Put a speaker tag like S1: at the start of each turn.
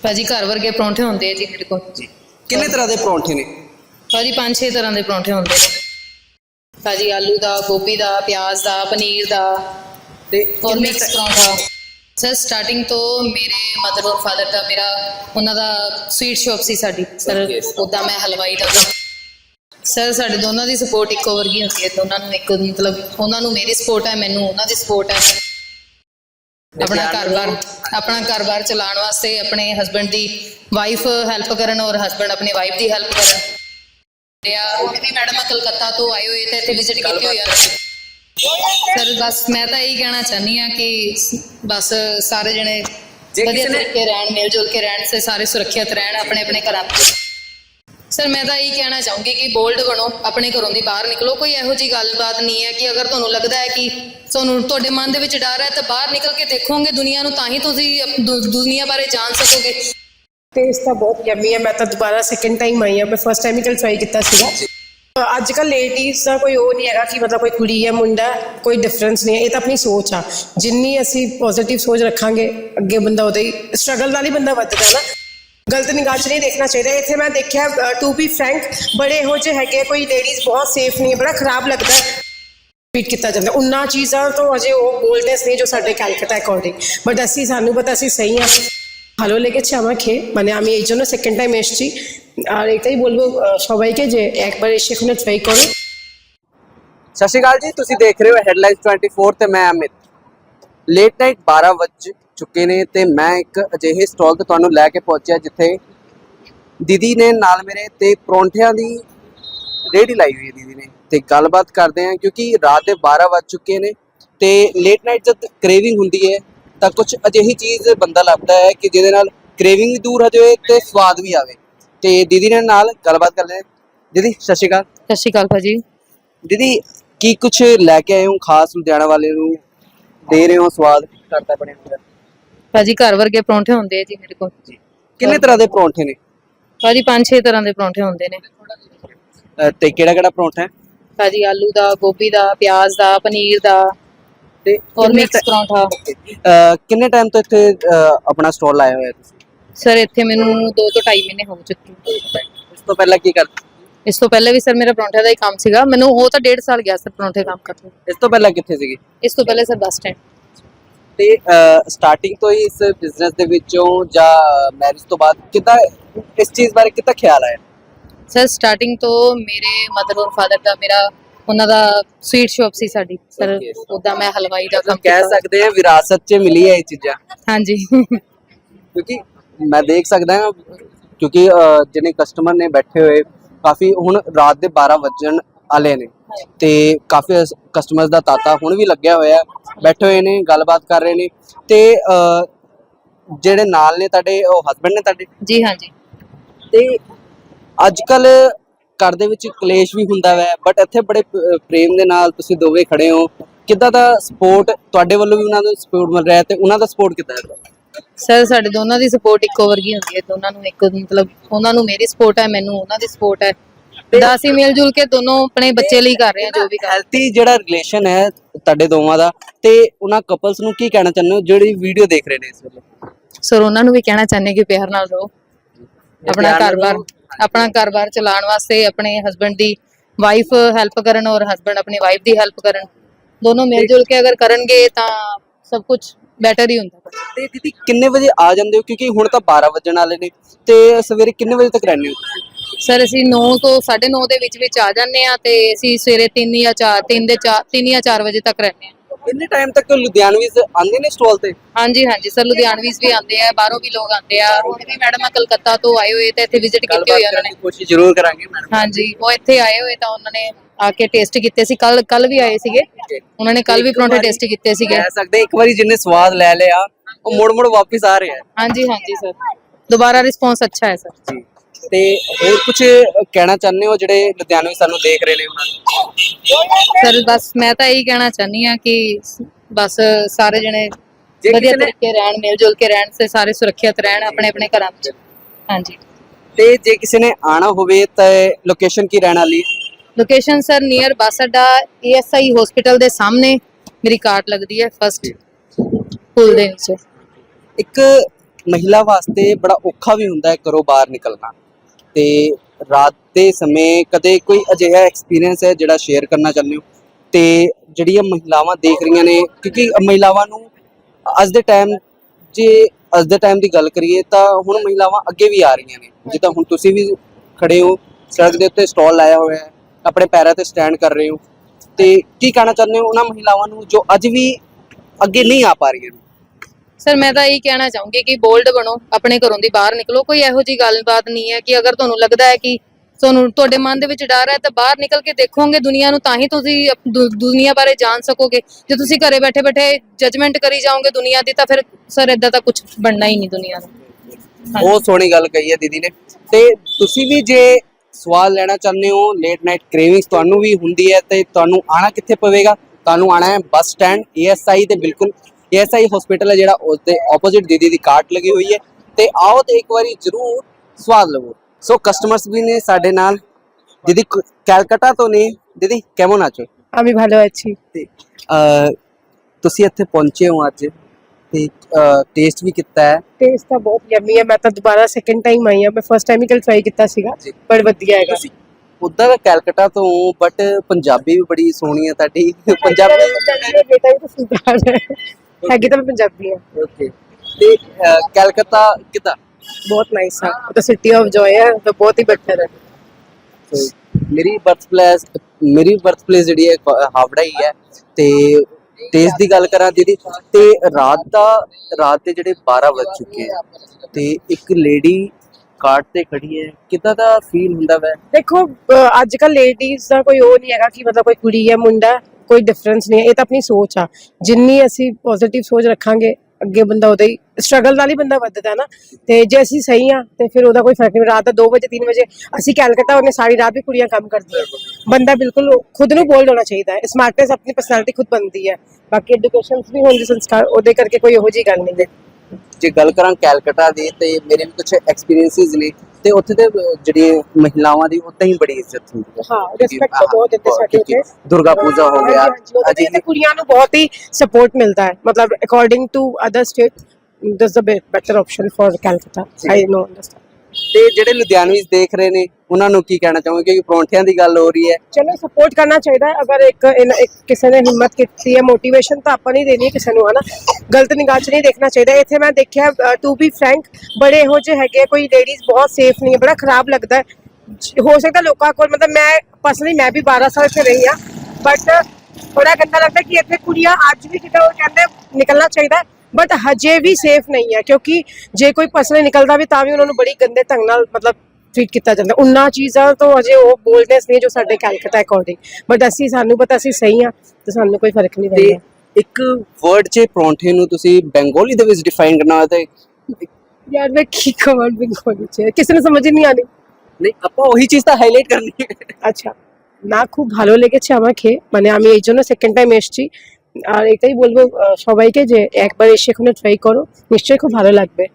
S1: ਭਾਜੀ ਘਰ ਵਰਗੇ ਪਰੌਂਠੇ ਹੁੰਦੇ ਆ ਜੀ ਮੇਰੇ ਕੋਲ।
S2: ਕਿੰਨੇ ਤਰ੍ਹਾਂ ਦੇ ਪਰੌਂਠੇ ਨੇ?
S1: ਭਾਜੀ 5-6 ਤਰ੍ਹਾਂ ਦੇ ਪਰੌਂਠੇ ਹੁੰਦੇ ਨੇ ਭਾਜੀ। ਆਲੂ ਦਾ, ਗੋਭੀ ਦਾ, ਪਿਆਜ਼ ਦਾ, ਪਨੀਰ ਦਾ
S2: ਤੇ
S1: ਔਰ ਮਿਕਸ ਪਰੌਂਠਾ। ਸਰ ਸਟਾਰਟਿੰਗ ਤੋਂ ਮੇਰੇ ਮਦਰ ਔਰ ਫਾਦਰ ਦਾ ਮੇਰਾ ਉਹਨਾਂ ਦਾ ਸਵੀਟ ਸ਼ੌਪ ਸੀ ਸਾਡੀ ਸਰ। ਉੱਦਾਂ ਮੈਂ ਹਲਵਾਈ ਦਾ ਸਰ। ਸਾਡੇ ਦੋਨਾਂ ਦੀ ਸਪੋਰਟ ਇੱਕੋ ਵਰਗੀ ਹੁੰਦੀ ਹੈ। ਦੋਨਾਂ ਨੂੰ ਇੱਕ ਮਤਲਬ ਉਹਨਾਂ ਨੂੰ ਮੇਰੀ ਸਪੋਰਟ ਹੈ, ਮੈਨੂੰ ਉਹਨਾਂ ਦੀ ਸਪੋਰਟ ਹੈ। ਆਪਣਾ ਘਰ-ਬਾਰ ਚਲਾਉਣ ਵਾਸਤੇ ਆਪਣੇ ਹਸਬੈਂਡ ਦੀ ਵਾਈਫ ਹੈਲਪ ਕਰਨ ਔਰ ਹਸਬੈਂਡ ਆਪਣੀ ਵਾਈਫ ਦੀ ਹੈਲਪ ਕਰਨ। ਹੁਣ ਵੀ ਮੈਡਮ ਕਲਕੱਤਾ ਤੋਂ ਆਏ ਹੋਏ ਤੇ ਇੱਥੇ ਵਿਜ਼ਿਟ ਕੀਤੀ ਹੋਈ ਆ ਸਰ। ਬਸ ਮੈਂ ਤਾਂ ਇਹੀ ਕਹਿਣਾ ਚਾਹੁੰਦੀ ਹਾਂ ਕਿ ਬਸ ਸਾਰੇ ਜਣੇ ਵਧੀਆ ਤਰੀਕੇ ਰਹਿਣ, ਮਿਲ ਜੁਲ ਕੇ ਰਹਿਣ ਤੇ ਸਾਰੇ ਸੁਰੱਖਿਅਤ ਰਹਿਣ ਆਪਣੇ ਆਪਣੇ ਘਰਾਂ ਵਿੱਚ। ਸਰ ਮੈਂ ਤਾਂ ਇਹੀ ਕਹਿਣਾ ਚਾਹੂੰਗੀ ਕਿ ਬੋਲਡ ਬਣੋ, ਆਪਣੇ ਘਰੋਂ ਦੀ ਬਾਹਰ ਨਿਕਲੋ। ਕੋਈ ਇਹੋ ਜਿਹੀ ਗੱਲਬਾਤ ਨਹੀਂ ਹੈ ਕਿ ਅਗਰ ਤੁਹਾਨੂੰ ਲੱਗਦਾ ਹੈ ਕਿ ਤੁਹਾਨੂੰ ਤੁਹਾਡੇ ਮਨ ਦੇ ਵਿੱਚ ਡਰ ਹੈ ਤਾਂ ਬਾਹਰ ਨਿਕਲ ਕੇ ਦੇਖੋਗੇ ਦੁਨੀਆ ਨੂੰ, ਤਾਂ ਹੀ ਤੁਸੀਂ ਦੁਨੀਆ ਬਾਰੇ ਜਾਣ ਸਕੋਗੇ।
S3: ਟੇਸਟ ਤਾਂ ਬਹੁਤ ਯਮੀ ਹੈ। ਮੈਂ ਤਾਂ ਦੁਬਾਰਾ ਸੈਕਿੰਡ ਟਾਈਮ ਆਈ ਹਾਂ। ਮੈਂ ਫਸਟ ਟਾਈਮ ਹੀ ਕੱਲ ਟਰਾਈ ਕੀਤਾ ਸੀਗਾ। ਅੱਜ ਕੱਲ੍ਹ ਲੇਡੀਜ਼ ਦਾ ਕੋਈ ਉਹ ਨਹੀਂ ਹੈਗਾ ਕਿ ਮਤਲਬ ਕੋਈ ਕੁੜੀ ਹੈ ਮੁੰਡਾ, ਕੋਈ ਡਿਫਰੈਂਸ ਨਹੀਂ ਹੈ। ਇਹ ਤਾਂ ਆਪਣੀ ਸੋਚ ਆ। ਜਿੰਨੀ ਅਸੀਂ ਪੋਜ਼ੀਟਿਵ ਸੋਚ ਰੱਖਾਂਗੇ ਅੱਗੇ ਬੰਦਾ ਉਹਦੇ ਹੀ ਸਟਰਗਲ ਨਾਲ ਹੀ ਬੰਦਾ ਵੱਧਦਾ ਨਾ। ਗਲਤ ਨਿਗਾਹ 'ਚ ਨਹੀਂ ਦੇਖਣਾ ਚਾਹੀਦਾ। ਇੱਥੇ ਮੈਂ ਦੇਖਿਆ ਟੂ ਬੀ ਫਰੈਂਕ ਬੜੇ ਇਹੋ ਜਿਹੇ ਹੈਗੇ, ਕੋਈ ਲੇਡੀਜ਼ ਬਹੁਤ ਸੇਫ ਨਹੀਂ ਹੈ, ਬੜਾ ਖਰਾਬ ਲੱਗਦਾ ਟ੍ਰੀਟ ਕੀਤਾ ਜਾਂਦਾ। ਉਹਨਾਂ ਚੀਜ਼ਾਂ ਤੋਂ ਅਜੇ ਉਹ ਬੋਲਡਨੈਸ ਨਹੀਂ ਜੋ ਸਾਡੇ ক্যালকাটা অ্যাকর্ডিং। বাট ਸਾਨੂੰ ਪਤਾ ਅਸੀਂ ਸਹੀ ਹਾਂ। ভালো লেগেছে আমাকে, মানে আমি এই জন্য সেকেন্ড টাইম এসেছি। আর এটাই বলবো সবাইকে যে একবার এসে এখানে ট্রাই করো।
S2: ਸਤਿ ਸ਼੍ਰੀ ਅਕਾਲ ਜੀ, ਤੁਸੀਂ ਦੇਖ ਰਹੇ ਹੋ ਹੈਡਲਾਈਨਸ 24 ਤੇ ਮੈਂ ਅਮਿਤ। ਲੇਟ ਨਾਈਟ 12 ਵੱਜ ਚੁੱਕੇ ਨੇ ਤੇ ਮੈਂ ਇੱਕ ਅਜਿਹੇ ਸਟਾਲ ਤੇ ਤੁਹਾਨੂੰ ਲੈ ਕੇ ਪਹੁੰਚਿਆ ਜਿੱਥੇ ਦੀਦੀ ਨੇ ਨਾਲ ਮੇਰੇ ਤੇ ਪਰੌਂਠਿਆਂ ਦੀ ਰੇਹੜੀ ਲਾਈ ਹੋਈ ਹੈ ਦੀਦੀ ਨੇ, ਤੇ ਗੱਲਬਾਤ ਕਰਦੇ ਹਾਂ ਕਿਉਂਕਿ ਰਾਤ ਦੇ 12 ਵੱਜ ਚੁੱਕੇ ਨੇ ਤੇ ਲੇਟ ਨਾਈਟ ਜਦ ਕ੍ਰੇਵਿੰਗ ਹੁੰਦੀ ਹੈ ਤਾਂ ਕੁਝ ਅਜਿਹੀ ਚੀਜ਼ ਬੰਦਾ ਲੱਭਦਾ ਹੈ ਕਿ ਜਿਹਦੇ ਨਾਲ ਕ੍ਰੇਵਿੰਗ ਵੀ ਦੂਰ ਹੋ ਜਾਵੇ ਤੇ ਸਵਾਦ ਵੀ ਆਵੇ। ਤੇ ਦੀਦੀ ਨੇ ਨਾਲ ਗੱਲਬਾਤ ਕਰ ਲੈਂਦੇ। ਦੀਦੀ ਸਤਿ ਸ਼੍ਰੀ ਅਕਾਲ।
S1: ਸਤਿ ਸ਼੍ਰੀ ਅਕਾਲ ਭਾਜੀ।
S2: ਦੀਦੀ ਕੀ ਕੁਝ ਲੈ ਕੇ ਆਏ ਹੋ ਖਾਸ ਲੁਧਿਆਣਾ ਵਾਲੇ ਨੂੰ ਦੇ ਰਹੇ ਹੋ ਸਵਾਦ ਕਰਦਾ ਬਣੇ ਹੁੰਦਾ?
S1: ਭਾਜੀ ਘਰ ਵਰਗੇ ਪਰੌਂਠੇ ਹੁੰਦੇ ਆ ਜੀ ਮੇਰੇ ਕੋਲ।
S2: ਕਿੰਨੇ ਤਰ੍ਹਾਂ ਦੇ ਪਰੌਂਠੇ ਨੇ?
S1: ਭਾਜੀ 5-6 ਤਰ੍ਹਾਂ ਦੇ ਪਰੌਂਠੇ ਹੁੰਦੇ ਨੇ।
S2: ਤੇ ਕਿਹੜਾ ਕਿਹੜਾ ਪਰੌਂਠਾ ਹੈ?
S1: ਭਾਜੀ ਆਲੂ ਦਾ, ਗੋਭੀ ਦਾ, ਪਿਆਜ਼ ਦਾ, ਪਨੀਰ ਦਾ
S2: ਤੇ
S1: ਔਰ ਮਿਕਸ ਪਰੌਂਠਾ।
S2: ਕਿੰਨੇ ਟਾਈਮ ਤੋਂ ਇੱਥੇ ਆਪਣਾ ਸਟਾਲ ਲਾਇਆ ਹੋਇਆ ਤੁਸੀਂ?
S1: ਸਰ ਇੱਥੇ ਮੈਨੂੰ 2 ਤੋਂ 2.5 ਮਹੀਨੇ ਹੋ ਚੁੱਕੇ।
S2: ਇਸ ਤੋਂ ਪਹਿਲਾਂ ਕੀ ਕਰਦੇ?
S1: ਇਸ ਤੋਂ ਪਹਿਲੇ ਵੀ ਸਰ ਮੇਰਾ ਪਰੌਂਠੇ ਦਾ ਹੀ ਕੰਮ ਸੀਗਾ। ਮੈਨੂੰ ਉਹ ਤਾਂ 1.5 ਸਾਲ ਗਿਆ ਸਰ ਪਰੌਂਠੇ ਕੰਮ ਕਰਦੇ।
S2: ਇਸ ਤੋਂ ਪਹਿਲਾਂ ਕਿੱਥੇ ਸੀਗੇ?
S1: ਇਸ ਤੋਂ ਪਹਿਲੇ ਸਰ ਬੱਸ ਸਟੈਂਡ।
S2: ਤੇ ਸਟਾਰਟਿੰਗ ਤੋਂ ਹੀ ਇਸ ਬਿਜ਼ਨਸ ਦੇ ਵਿੱਚੋਂ ਜਾਂ ਮੈਰਿਜ ਤੋਂ ਬਾਅਦ ਕਿੱਦਾਂ ਇਸ ਚੀਜ਼ ਬਾਰੇ ਕਿੱਦਾਂ ਖਿਆਲ ਆਇਆ?
S1: ਸਰ ਸਟਾਰਟਿੰਗ ਤੋਂ ਮੇਰੇ ਮਦਰ ਔਰ ਫਾਦਰ ਦਾ ਮੇਰਾ ਉਹਨਾਂ ਦਾ ਸਵੀਟ ਸ਼ੌਪ ਸੀ ਸਾਡੀ ਸਰ। ਉੱਦਾਂ ਮੈਂ ਹਲਵਾਈ ਦਾ ਕੰਮ
S2: ਕਹਿ ਸਕਦੇ ਹਾਂ ਵਿਰਾਸਤ 'ਚ ਮਿਲੀ ਹੈ ਇਹ ਚੀਜ਼ਾਂ।
S1: ਹਾਂਜੀ
S2: ਕਿਉਂਕਿ ਮੈਂ ਦੇਖ ਸਕਦਾ ਹਾਂ ਕਿਉਂਕਿ ਜਿਹੜੇ ਕਸਟਮਰ ਨੇ ਬੈਠੇ ਹੋਏ ਕਾਫੀ, ਹੁਣ ਰਾਤ ਦੇ 12 ਵੱਜਣ ਵਾਲੇ ਨੇ ਤੇ ਕਾਫੀ ਕਸਟਮਰਸ ਦਾ ਤਾਂਤਾ ਹੁਣ ਵੀ ਲੱਗਿਆ ਹੋਇਆ, ਬੈਠੇ ਹੋਏ ਨੇ, ਗੱਲਬਾਤ ਕਰ ਰਹੇ ਨੇ। ਤੇ ਜਿਹੜੇ ਨਾਲ ਨੇ ਤੁਹਾਡੇ ਉਹ ਹਸਬੈਂਡ ਨੇ ਤੁਹਾਡੇ?
S1: ਜੀ ਹਾਂਜੀ।
S2: ਤੇ ਅੱਜ ਕੱਲ ਘਰ ਦੇ ਵਿੱਚ ਕਲੇਸ਼ ਵੀ ਹੁੰਦਾ ਵੈ, ਬਟ ਇੱਥੇ ਬੜੇ ਪ੍ਰੇਮ ਦੇ ਨਾਲ ਤੁਸੀਂ ਦੋਵੇਂ ਖੜੇ ਹੋ। ਕਿੱਦਾਂ ਦਾ ਸਪੋਰਟ ਤੁਹਾਡੇ ਵੱਲੋਂ ਵੀ ਉਹਨਾਂ ਨੂੰ ਸਪੋਰਟ ਮਿਲ ਰਿਹਾ ਤੇ ਉਹਨਾਂ ਦਾ ਸਪੋਰਟ ਕਿੱਦਾਂ ਹੈ?
S1: ਸਰ ਸਾਡੇ ਦੋਨਾਂ ਦੀ ਸਪੋਰਟ ਇੱਕੋ ਵਰਗੀ ਹੁੰਦੀ ਹੈ। ਦੋਨਾਂ ਨੂੰ ਇੱਕ ਮਤਲਬ ਉਹਨਾਂ ਨੂੰ ਮੇਰੀ ਸਪੋਰਟ ਹੈ, ਮੈਨੂੰ ਉਹਨਾਂ ਦੀ ਸਪੋਰਟ ਹੈ। ਅਸੀਂ ਮਿਲ ਜੁਲ ਕੇ ਦੋਨੋਂ ਆਪਣੇ ਬੱਚੇ ਲਈ ਕਰ ਰਹੇ ਹਾਂ ਜੋ ਵੀ ਕਰ।
S2: ਹੈਲਥੀ ਜਿਹੜਾ ਰਿਲੇਸ਼ਨ ਹੈ ਤੁਹਾਡੇ ਦੋਵਾਂ ਦਾ, ਤੇ ਉਹਨਾਂ ਕਪਲਸ ਨੂੰ ਕੀ ਕਹਿਣਾ ਚਾਹੁੰਦੇ ਹੋ ਜਿਹੜੀ ਵੀਡੀਓ ਦੇਖ ਰਹੇ ਨੇ ਇਸ ਵੇਲੇ?
S1: ਸਰ ਉਹਨਾਂ ਨੂੰ ਵੀ ਕਹਿਣਾ ਚਾਹੁੰਦੇ ਕਿ ਪਿਆਰ ਨਾਲ ਰਹੋ। ਆਪਣਾ ਘਰ-ਬਾਰ ਚਲਾਉਣ ਵਾਸਤੇ ਆਪਣੇ ਹਸਬੈਂਡ ਦੀ ਵਾਈਫ ਹੈਲਪ ਕਰਨ ਔਰ ਹਸਬੈਂਡ ਆਪਣੀ ਵਾਈਫ ਦੀ ਹੈਲਪ ਕਰਨ। ਦੋਨੋਂ ਮਿਲ ਜੁਲ ਕੇ ਅਗਰ ਕਰਨਗੇ ਤਾਂ ਸਭ ਕੁਝ ਬੈਟਰ ਹੀ ਹੁੰਦਾ।
S2: ਤੇ ਦੀਦੀ ਕਿੰਨੇ ਵਜੇ ਆ ਜਾਂਦੇ ਹੋ? ਕਿਉਂਕਿ ਹੁਣ ਤਾਂ 12 ਵੱਜਣ ਵਾਲੇ ਨੇ ਤੇ ਸਵੇਰੇ ਕਿੰਨੇ ਵਜੇ ਤੱਕ ਰਹਿੰਦੇ ਹੋ?
S1: ਸਰ ਅਸੀਂ 9 ਤੋਂ 9:30 ਦੇ ਵਿੱਚ ਆ ਜਾਂਦੇ ਆ ਤੇ ਅਸੀਂ ਸਵੇਰੇ 3 ਜਾਂ 4 ਵਜੇ ਤੱਕ ਰਹਿੰਦੇ ਆ।
S2: ਇੰਨੇ ਟਾਈਮ ਤੱਕ ਲੁਧਿਆਣਵੀਜ਼ ਆਉਂਦੇ ਨੇ ਸਟਾਲ ਤੇ?
S1: ਹਾਂਜੀ ਹਾਂਜੀ ਸਰ, ਲੁਧਿਆਣਵੀਜ਼ ਵੀ ਆਉਂਦੇ ਆ, ਬਾਹਰੋਂ ਵੀ ਲੋਕ ਆਉਂਦੇ ਆ। ਹੁਣ ਵੀ ਮੈਡਮ ਕਲਕੱਤਾ ਤੋਂ ਆਏ ਹੋਏ ਤੇ ਇੱਥੇ ਵਿਜ਼ਿਟ ਕੀਤੀ ਹੋਈ ਉਹਨਾਂ ਨੇ।
S2: ਕੋਸ਼ਿਸ਼ ਜ਼ਰੂਰ ਕਰਾਂਗੇ ਮੈਡਮ।
S1: ਹਾਂਜੀ ਉਹ ਇੱਥੇ ਆਏ ਹੋਏ ਤਾਂ ਉਹਨਾਂ ਨੇ ਆ ਕੇ ਟੇਸਟ ਕੀਤੇ ਸੀ। ਕੱਲ ਵੀ ਆਏ ਸੀਗੇ, ਉਹਨਾਂ ਨੇ ਕੱਲ ਵੀ ਪਰੌਂਠੇ ਟੇਸਟ ਕੀਤੇ ਸੀਗੇ।
S2: ਕਹਿ ਸਕਦੇ ਇੱਕ ਵਾਰੀ ਜਿਹਨੇ ਸਵਾਦ ਲੈ ਲਿਆ ਉਹ ਮੁੜ ਵਾਪਿਸ ਆ ਰਿਹਾ ਹੈ।
S1: ਹਾਂਜੀ ਹਾਂਜੀ ਸਰ, ਦੁਬਾਰਾ ਰਿਸਪੌਂਸ ਅੱਛਾ ਹੈ ਸਰ
S2: ਜੀ। ਤੇ ਹੋਰ ਕੁਝ ਕਹਿਣਾ ਚਾਹੁੰਦੇ ਹੋ ਜਿਹੜੇ ਲੁਧਿਆਣੇ ਸਾਨੂੰ ਦੇਖ ਰਹੇ ਨੇ ਉਹਨਾਂ ਨੂੰ?
S1: ਸਰ ਬਸ ਮੈਂ ਤਾਂ ਇਹੀ ਕਹਿਣਾ ਚਾਹੁੰਦੀ ਹਾਂ ਕਿ ਬਸ ਸਾਰੇ ਜਣੇ ਵਧੀਆ ਤਰੀਕੇ ਰਹਿਣ, ਮਿਲ ਜੁਲ ਕੇ ਰਹਿਣ ਤੇ ਸਾਰੇ ਸੁਰੱਖਿਅਤ ਰਹਿਣ ਆਪਣੇ ਆਪਣੇ ਘਰਾਂ ਵਿੱਚ। ਹਾਂਜੀ।
S2: ਤੇ ਜੇ ਕਿਸੇ ਨੇ ਆਣਾ ਹੋਵੇ ਤਾਂ ਲੋਕੇਸ਼ਨ ਕੀ ਰਹਿਣ ਵਾਲੀ?
S1: ਲੋਕੇਸ਼ਨ ਸਰ ਨੀਅਰ ਬੱਸ ਅੱਡਾ ASI ਹਸਪੀਟਲ ਦੇ ਸਾਹਮਣੇ ਮੇਰੀ ਕਾਰਟ ਲੱਗਦੀ ਹੈ ਫਸਟ ਪੁਲ ਦੇ ਵਿੱਚ।
S2: ਇੱਕ ਮਹਿਲਾ ਵਾਸਤੇ ਬੜਾ ਔਖਾ ਵੀ ਹੁੰਦਾ ਹੈ ਘਰੋਂ ਬਾਹਰ ਨਿਕਲਣਾ। ਤੇ ਰਾਤ ਦੇ ਸਮੇਂ ਕਦੇ ਕੋਈ ਅਜਿਹਾ ਐਕਸਪੀਰੀਅੰਸ ਹੈ ਜਿਹੜਾ ਸ਼ੇਅਰ ਕਰਨਾ ਚਾਹੁੰਦੇ ਹੋ? ਤੇ ਜਿਹੜੀਆਂ ਮਹਿਲਾਵਾਂ ਦੇਖ ਰਹੀਆਂ ਨੇ, ਕਿਉਂਕਿ ਮਹਿਲਾਵਾਂ ਨੂੰ ਅੱਜ ਦੇ ਟਾਈਮ, ਜੇ ਅੱਜ ਦੇ ਟਾਈਮ ਦੀ ਗੱਲ ਕਰੀਏ ਤਾਂ ਹੁਣ ਮਹਿਲਾਵਾਂ ਅੱਗੇ ਵੀ ਆ ਰਹੀਆਂ ਨੇ। ਜਿੱਦਾਂ ਹੁਣ ਤੁਸੀਂ ਵੀ ਖੜੇ ਹੋ ਸੜਕ ਦੇ ਉੱਤੇ, ਸਟਾਲ ਲਾਇਆ ਹੋਇਆ ਹੈ, ਆਪਣੇ ਪੈਰਾਂ ਤੇ ਸਟੈਂਡ ਕਰ ਰਹੇ ਹੋ, ਤੇ ਕੀ ਕਹਿਣਾ ਚਾਹੁੰਦੇ ਹੋ ਉਹਨਾਂ ਮਹਿਲਾਵਾਂ ਨੂੰ ਜੋ ਅੱਜ ਵੀ ਅੱਗੇ ਨਹੀਂ ਆ ਪਾ ਰਹੀਆਂ?
S1: ਸਰ ਮੈਂ ਤਾਂ ਇਹੀ ਕਹਿਣਾ ਚਾਹੂੰਗੀ ਕਿ ਬੋਲਡ ਬਣੋ, ਆਪਣੇ ਘਰੋਂ ਦੀ ਬਾਹਰ ਨਿਕਲੋ। ਕੋਈ ਇਹੋ ਜੀ ਗੱਲਬਾਤ ਨਹੀਂ ਹੈ ਕਿ ਅਗਰ ਤੁਹਾਨੂੰ ਲੱਗਦਾ ਹੈ ਕਿ ਤੁਹਾਨੂੰ, ਤੁਹਾਡੇ ਮਨ ਦੇ ਵਿੱਚ ਡਰ ਹੈ, ਤਾਂ ਬਾਹਰ ਨਿਕਲ ਕੇ ਦੇਖੋਗੇ ਦੁਨੀਆ ਨੂੰ, ਤਾਂ ਹੀ ਤੁਸੀਂ ਦੁਨੀਆ ਬਾਰੇ ਜਾਣ ਸਕੋਗੇ। ਜੇ ਤੁਸੀਂ ਘਰੇ ਬੈਠੇ ਬੈਠੇ ਜਜਮੈਂਟ ਕਰੀ ਜਾਓਗੇ ਦੁਨੀਆ ਦੀ, ਤਾਂ ਫਿਰ ਸਰ ਇਦਾਂ ਤਾਂ ਕੁਝ ਬਣਨਾ ਹੀ ਨਹੀਂ ਦੁਨੀਆ ਨੂੰ।
S2: ਬਹੁਤ ਸੋਹਣੀ ਗੱਲ ਕਹੀ ਹੈ ਦੀਦੀ ਨੇ। ਤੇ ਤੁਸੀਂ ਵੀ ਜੇ ਸਵਾਲ ਲੈਣਾ ਚਾਹੁੰਦੇ ਹੋ, ਲੇਟ ਨਾਈਟ ਕ੍ਰੇਵਿੰਗਸ ਤੁਹਾਨੂੰ ਵੀ ਹੁੰਦੀ ਹੈ, ਤੇ ਤੁਹਾਨੂੰ ਆਣਾ ਕਿੱਥੇ ਪਵੇਗਾ? ਤੁਹਾਨੂੰ ਆਣਾ ਹੈ ਬੱਸ ਸਟੈਂਡ ASI ਤੇ, ਬਿਲਕੁਲ ASI ਹਸਪੀਟਲ ਹੈ ਜਿਹੜਾ, ਉਸ ਦੇ ਆਪੋਜ਼ਿਟ ਦੀਦੀ ਦੀ ਕਾਰਟ ਲੱਗੀ ਹੋਈ ਹੈ। ਤੇ ਆਓ ਤੇ ਇੱਕ ਵਾਰੀ ਜ਼ਰੂਰ ਸਵਾਦ ਲਵੋ। ਸੋ ਕਸਟਮਰਸ ਵੀ ਨੇ ਸਾਡੇ ਨਾਲ। ਦੀਦੀ ਕੈਲਕਾਟਾ ਤੋਂ ਨੇ। ਦੀਦੀ কেমন আছো?
S3: আমি ভালো আছি।
S2: ਤੇ ਤੁਸੀਂ ਇੱਥੇ ਪਹੁੰਚੇ ਹੋ ਅੱਜ, ਤੇ ਟੇਸਟ ਵੀ ਕੀਤਾ ਹੈ?
S3: ਟੇਸਟ ਤਾਂ ਬਹੁਤ ਯਮੀ ਹੈ। ਮੈਂ ਤਾਂ ਦੁਬਾਰਾ ਸੈਕੰਡ ਟਾਈਮ ਆਈ ਹਾਂ। ਮੈਂ ਫਸਟ ਟਾਈਮ ਹੀ ਕੱਲ ਟਰਾਈ ਕੀਤਾ ਸੀਗਾ,
S2: ਜੀ।
S3: ਪਰ ਵਧੀਆ ਹੈਗਾ।
S2: ਤੁਸੀਂ ਉੱਦਾਂ ਦਾ ਕੈਲਕਾਟਾ ਤੋਂ, ਬਟ ਪੰਜਾਬੀ ਵੀ ਬੜੀ ਸੋਹਣੀ ਹੈ ਤੁਹਾਡੀ। ਪੰਜਾਬੀ
S3: ਬੇਟਾ ਵੀ ਤਾਂ ਸੁਧਾਰ ਹੈ, ਹੈਗੀ ਤਾਂ ਮੈਂ ਪੰਜਾਬੀ ਹਾਂ।
S2: ਓਕੇ। ਤੇ ਕੈਲਕਾਟਾ ਕਿੱਦਾਂ?
S3: ਬਹੁਤ ਨਾਈਸ ਹੈ, ਉਹ ਤਾਂ ਸਿਟੀ ਆਫ ਜੋਏ ਹੈ, ਤਾਂ ਬਹੁਤ ਹੀ ਬਿਹਤਰ ਹੈ।
S2: ਮੇਰੀ ਬਰਥ ਪਲੇਸ ਜਿਹੜੀ ਹੈ ਹਾਵੜਾ ਹੀ ਹੈ। ਤੇ ਟੇਸਟ ਦੀ ਗੱਲ ਕਰਾਂ ਦੀਦੀ, ਤੇ ਰਾਤ ਦੇ ਜਿਹੜੇ 12 ਵੱਜ ਚੁੱਕੇ ਆ, ਤੇ ਇੱਕ ਲੇਡੀ ਕਾਰਟ ਤੇ ਖੜੀ ਹੈ, ਕਿੱਦਾਂ ਦਾ ਫੀਲ ਹੁੰਦਾ ਵੈ?
S3: ਦੇਖੋ ਅੱਜ ਕੱਲ ਲੇਡੀਜ਼ ਦਾ ਕੋਈ ਉਹ ਨਹੀਂ ਹੈਗਾ ਕਿ ਮਤਲਬ ਕੋਈ ਕੁੜੀ ਹੈ ਮੁੰਡਾ ਹੈ, ਕੋਈ ਡਿਫਰੈਂਸ ਨਹੀਂ ਹੈ। ਇਹ ਤਾਂ ਆਪਣੀ ਸੋਚ ਆ। ਜਿੰਨੀ ਅਸੀਂ ਪੋਜ਼ਿਟਿਵ ਸੋਚ ਰੱਖਾਂਗੇ, ਅੱਗੇ ਬੰਦਾ ਉਹਦਾ ਹੀ ਸਟਰਗਲ ਨਾਲ ਹੀ ਬੰਦਾ ਵੱਧਦਾ ਨਾ। ਤੇ ਜੇ ਅਸੀਂ ਸਹੀ ਆ ਤੇ ਫਿਰ ਉਹਦਾ ਕੋਈ ਫਰਕ ਨਹੀਂ। ਰਾਤ ਦਾ 2 ਵਜੇ 3 ਵਜੇ ਅਸੀਂ ਕੈਲਕਟਾ ਉਹਨੇ ਸਾਰੀ ਰਾਤ ਵੀ ਕੁੜੀਆਂ ਕੰਮ ਕਰਦੀਆਂ। ਬੰਦਾ ਬਿਲਕੁਲ ਖੁਦ ਨੂੰ ਬੋਲਡ ਹੋਣਾ ਚਾਹੀਦਾ ਹੈ। ਸਮਾਰਟਨੈਸ ਆਪਣੀ ਪਰਸਨੈਲਿਟੀ ਖੁਦ ਬਣਦੀ ਹੈ। ਬਾਕੀ ਐਜੂਕੇਸ਼ਨਸ ਵੀ ਹੁੰਦੀ, ਸੰਸਕਾਰ, ਉਹਦੇ ਕਰਕੇ ਕੋਈ ਇਹੋ ਜਿਹੀ ਗੱਲ ਨਹੀਂ ਹੈ।
S2: ਜੇ ਗੱਲ ਕਰਾਂ ਕੈਲਕਾਟਾ ਦੀ, ਤੇ ਮੇਰੇ ਵੀ ਕੁਝ ਐਕਸਪੀਰੀਐਂਸਿਸ ਨੇ, ਤੇ ਉੱਥੇ ਦੇ ਜਿਹੜੀਆਂ ਮਹਿਲਾਵਾਂ ਦੀ ਉੱਦਾਂ ਹੀ ਬੜੀ ਇੱਜ਼ਤ ਹੁੰਦੀ ਹੈ।
S3: ਹਾਂ, ਰਿਸਪੈਕਟ ਤਾਂ ਬਹੁਤ ਦਿੰਦੇ ਸਾਡੇ ਉੱਥੇ।
S2: ਦੁਰਗਾ ਪੂਜਾ ਹੋ ਗਿਆ,
S3: ਅਜੇ ਕੁੜੀਆਂ ਨੂੰ ਬਹੁਤ ਹੀ ਸਪੋਰਟ ਮਿਲਦਾ ਹੈ। ਮਤਲਬ according to other state this the better option for Calcutta. I know understand.
S2: ਤੇ ਜਿਹੜੇ ਲੁਧਿਆਣਵੀਜ਼ ਦੇਖ ਰਹੇ ਨੇ ਉਹਨਾਂ ਨੂੰ ਕੀ ਕਹਿਣਾ ਚਾਹੋਗੇ, ਕਿਉਂਕਿ ਪਰੌਂਠਿਆਂ ਦੀ ਗੱਲ ਹੋ ਰਹੀ ਹੈ?
S3: ਚਲੋ ਸਪੋਰਟ ਕਰਨਾ ਚਾਹੀਦਾ ਹੈ। ਅਗਰ ਇੱਕ ਕਿਸੇ ਨੇ ਹਿੰਮਤ ਕੀਤੀ ਹੈ, ਮੋਟੀਵੇਸ਼ਨ ਤਾਂ ਆਪਾਂ ਨਹੀਂ ਦੇਣੀ ਕਿਸੇ ਨੂੰ, ਹਨਾ। ਗਲਤ ਨਿਗਾਹ 'ਚ ਨਹੀਂ ਦੇਖਣਾ ਚਾਹੀਦਾ। ਇੱਥੇ ਮੈਂ ਦੇਖਿਆ, ਟੂ ਬੀ ਫਰੈਂਕ, ਬੜੇ ਇਹੋ ਜਿਹੇ ਹੈਗੇ, ਕੋਈ ਲੇਡੀਜ਼ ਬਹੁਤ ਸੇਫ ਨਹੀਂ ਹੈ, ਬੜਾ ਖਰਾਬ ਲੱਗਦਾ ਹੈ। ਹੋ ਸਕਦਾ ਲੋਕਾਂ ਕੋਲ, ਮਤਲਬ ਮੈਂ ਪਰਸਨਲੀ ਮੈਂ ਵੀ 12 ਸਾਲ ਇੱਥੇ ਰਹੀ ਹਾਂ, ਬਟ ਥੋੜਾ ਗੰਦਾ ਲੱਗਦਾ ਕਿ ਇੱਥੇ ਕੁੜੀਆਂ ਅੱਜ ਵੀ ਜਿੱਦਾਂ ਉਹ ਕਹਿੰਦੇ ਨਿਕਲਣਾ ਚਾਹੀਦਾ, ਬਟ ਹਜੇ ਵੀ ਸੇਫ ਨਹੀਂ ਹੈ। ਕਿਉਂਕਿ ਜੇ ਕੋਈ ਪਰਸਨਲੀ ਨਿਕਲਦਾ ਵੀ ਤਾਂ ਵੀ ਉਹਨਾਂ ਨੂੰ ਬੜੀ ਗੰਦੇ ਢੰਗ ਨਾਲ ਮਤਲਬ ਟ੍ਰੀਟ ਕੀਤਾ ਜਾਂਦਾ। ਉਹਨਾਂ ਚੀਜ਼ਾਂ ਤੋਂ ਅਜੇ ਉਹ ਬੋਲਡਨੈਸ ਨਹੀਂ ਜੋ ਸਾਡੇ ਕੈਲਕਟਾ ਅਕੋਰਡਿੰਗ। ਬਟ ਸਾਨੂੰ ਪਤਾ ਅਸੀਂ ਸਹੀ ਹਾਂ, ਤੇ ਸਾਨੂੰ ਕੋਈ ਫਰਕ ਨਹੀਂ ਪੈਂਦਾ।
S2: ਇੱਕ ਵਰਡ 'ਚ ਪਰੌਂਠੇ ਨੂੰ ਤੁਸੀਂ ਬੰਗਾਲੀ ਦੇ ਵਿੱਚ ਡਿਫਾਈਨ ਕਰਨਾ ਹੋਵੇ ਤਾਂ?
S3: यार मैं की खबर भी खोली चाहिए, किसी ने समझ ही नहीं आनी।
S2: नहीं, আপা ওই চিজটা হাইলাইট করনি।
S3: আচ্ছা, না খুব ভালো লেগেছে আমাকে, মানে আমি এই জন্য সেকেন্ড টাইম এসেছি। আর এটাই বলবো সবাইকে যে একবার এসে এখানে ট্রাই করো, নিশ্চয়ই খুব ভালো লাগবে।